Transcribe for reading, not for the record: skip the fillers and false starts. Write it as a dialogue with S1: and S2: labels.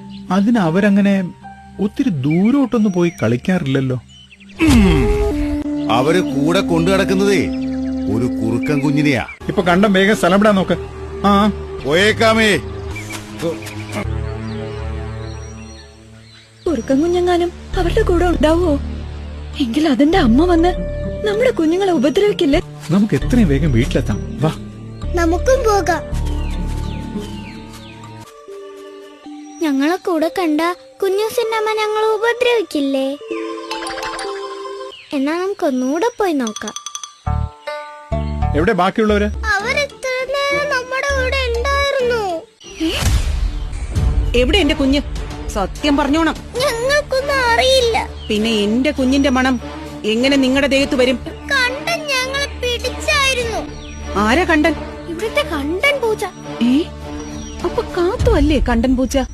S1: അതിന് അവരങ്ങനെ ഒത്തിരി ദൂരോട്ടൊന്നും പോയി കളിക്കാറില്ലല്ലോ.
S2: അവര് കൂടെ കൊണ്ടു നടക്കുന്നതേ ഒരു കുറുക്കൻ കുഞ്ഞിനെയാ.
S1: ഇപ്പൊ കണ്ടം വേഗം സ്ഥലം വിടാൻ നോക്ക്. ആ
S2: പോയേക്കാമേ.
S3: കുറുക്കൻ കുഞ്ഞെങ്ങാനും അവരുടെ കൂടെ ഉണ്ടാവോ? എങ്കിൽ അതിന്റെ അമ്മ വന്ന് നമ്മുടെ കുഞ്ഞുങ്ങളെ ഉപദ്രവിക്കില്ലേ?
S1: നമുക്ക് എത്രയും വേഗം വീട്ടിലെത്താം. വാ,
S4: നമുക്കും പോകാം. ഞങ്ങളെ കൂടെ കണ്ട കുഞ്ഞൂസിന്റെ അമ്മ ഞങ്ങളെ ഉപദ്രവിക്കില്ലേ? എന്നാ നമുക്കൊന്നുകൂടെ പോയി നോക്കാം.
S1: എവിടെ ബാക്കിയുള്ളവര്?
S4: അവരിത്ര നേരം നമ്മുടെ കൂടെ ഉണ്ടായിരുന്നു.
S5: എവിടെ എന്റെ കുഞ്ഞ്? സത്യം പറഞ്ഞോണം.
S4: ഞങ്ങൾക്കൊന്നും അറിയില്ല.
S5: പിന്നെ എന്റെ കുഞ്ഞിന്റെ മണം എങ്ങനെ നിങ്ങളുടെ ദേഹത്ത് വരും?
S4: കണ്ടൻ ഞങ്ങളെ പിടിച്ചായിരുന്നു.
S5: ആരാ കണ്ടൻ?
S4: ഇവിടുത്തെ കണ്ടൻ പൂച്ച.
S5: അപ്പൊ കാത്തു അല്ലേ കണ്ടൻ പൂച്ച?